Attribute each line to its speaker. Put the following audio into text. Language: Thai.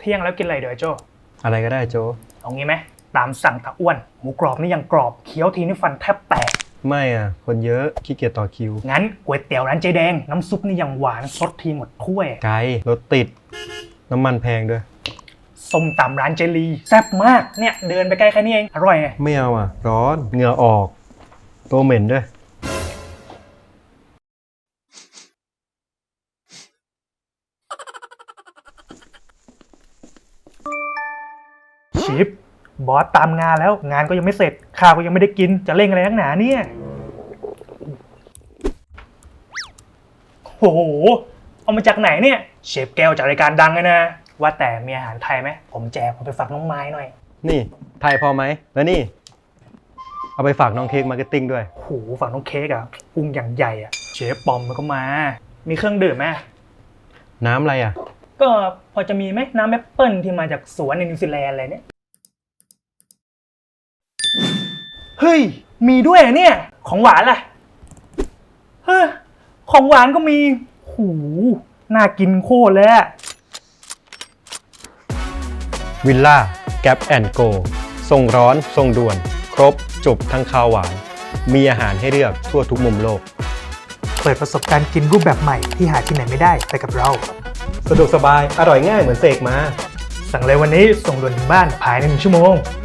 Speaker 1: เที่ยงแล้วกินอะไรเดี๋ยวโจ
Speaker 2: อะไรก็ได้โจ
Speaker 1: เอางี้ไหมตามสั่งตะอ้วนหมูกรอบนี่ยังกรอบเคี้ยวทีนี่ฟันแทบแตก
Speaker 2: ไม่อ่ะคนเยอะขี้เกียจต่อคิว
Speaker 1: งั้นก๋วยเตี๋ยวร้านเจ๊แดงน้ำซุปนี่ยังหวานซดทีหมดถ้วย
Speaker 2: ไกลรถติดน้ำมันแพงด้วย
Speaker 1: ส้มตำร้านเจลีแซ่บมากเนี่ยเดินไปใกล้แค่นี้เองอร่อยไง
Speaker 2: ไม่เอาอ่ะร้อนเหงื่อออกตัวเหม็นด้วย
Speaker 1: ชิปบอสตามงานแล้วงานก็ยังไม่เสร็จข้าวก็ยังไม่ได้กินจะเร่งอะไรนักหนาเนี่ยโอ้โหเอามาจากไหนเนี่ยเชฟแก้วจากรายการดังเลยนะว่าแต่มีอาหารไทยไหมผมแจกเอาไปฝากน้องไม้หน่อย
Speaker 2: นี่ไทยพอไหมแล้วนี่เอาไปฝากน้องเค้กมาร์เก็ตติ้งด้วย
Speaker 1: โอ้โหฝากน้องเค้กอ่ะพุงอย่างใหญ่อ่ะเชฟปอมมันก็มามีเครื่องดื่มไหม
Speaker 2: น้ำอะไรอ่ะ
Speaker 1: ก็พอจะมีไหมน้ำแอปเปิ้ลที่มาจากสวนในนิวซีแลนด์อะไรเนี่ยเฮ้ยมีด้วยอ่ะเนี่ยของหวานล่ะเฮ้ยของหวานก็มีหูน่ากินโคตรเลยอะ
Speaker 2: วิลล่าแก๊ปแอนด์โกส่งร้อนส่งด่วนครบจบทั้งข้าวหวานมีอาหารให้เลือกทั่วทุกมุมโลก
Speaker 1: เปิดประสบการณ์กินรูปแบบใหม่ที่หาที่ไหนไม่ได้ไปกับเรา
Speaker 2: สะดวกสบายอร่อยง่ายเหมือนเสกมา
Speaker 1: สั่งเลยวันนี้ส่งด่วนถึงบ้านภายใน1 ชั่วโมง